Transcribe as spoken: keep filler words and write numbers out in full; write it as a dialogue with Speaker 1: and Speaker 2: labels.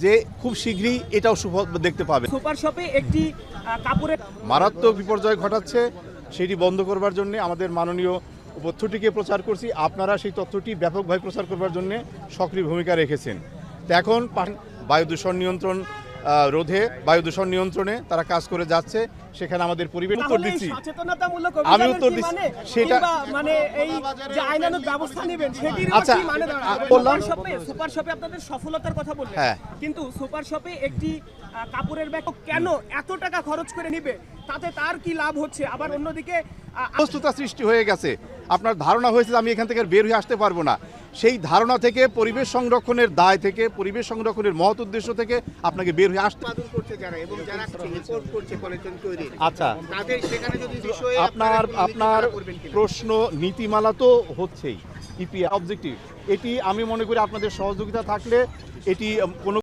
Speaker 1: যে খুব শীঘ্রই এটাও সুফল দেখতে পাবে।
Speaker 2: সুপার শপে একটি কাপড়ের
Speaker 1: মারাত্মক বিপর্যয় ঘটাচ্ছে, সেটি বন্ধ করবার জন্য আমাদের মাননীয় তথ্যটিকে প্রচার করছি। আপনারা সেই তথ্যটি ব্যাপকভাবে প্রচার করবার জন্য সক্রিয় ভূমিকা রেখেছেন। তো এখন বায়ু দূষণ নিয়ন্ত্রণ রোধে, বায়ু দূষণ নিয়ন্ত্রণে তারা কাজ করে যাচ্ছে। সেখানে আমাদের পরিবেশ উত্তর দিচ্ছি, আমি উত্তর দিচ্ছি সেটা
Speaker 2: মানে এই যে আইনানুগ ব্যবস্থা নেবেন সেটির
Speaker 1: আচ্ছা
Speaker 2: কি মানে
Speaker 1: বললাম।
Speaker 2: সুপার শপে সুপার শপে আপনাদের সফলতার কথা বললেন,
Speaker 1: হ্যাঁ,
Speaker 2: কিন্তু সুপার শপে একটি কাপড়ের ব্যাগ কেন এত টাকা খরচ করে নিবে, তাতে তার কি লাভ হচ্ছে? আবার অন্যদিকে
Speaker 1: অসুস্থতা সৃষ্টি হয়ে গেছে। আপনার ধারণা হয়েছে আমি এখান থেকে বের হয়ে আসতে পারবো না, সেই ধারণা থেকে, পরিবেশ সংরক্ষণের দায় থেকে, পরিবেশ সংরক্ষণের মহৎ উদ্দেশ্য থেকে আপনাকে বের হয়ে আসতে
Speaker 3: করছে যারা এবং যারা রিপোর্ট করছে পলিথিন তৈরি।
Speaker 1: আচ্ছা,
Speaker 3: তাদের সেখানে যদি বিষয়ে
Speaker 1: আপনার আপনার প্রশ্ন নীতিমালা তো হচ্ছেই, ইপিআর অবজেক্টিভ, এটি আমি মনে করি আপনাদের সহযোগিতা থাকলে এটি কোনো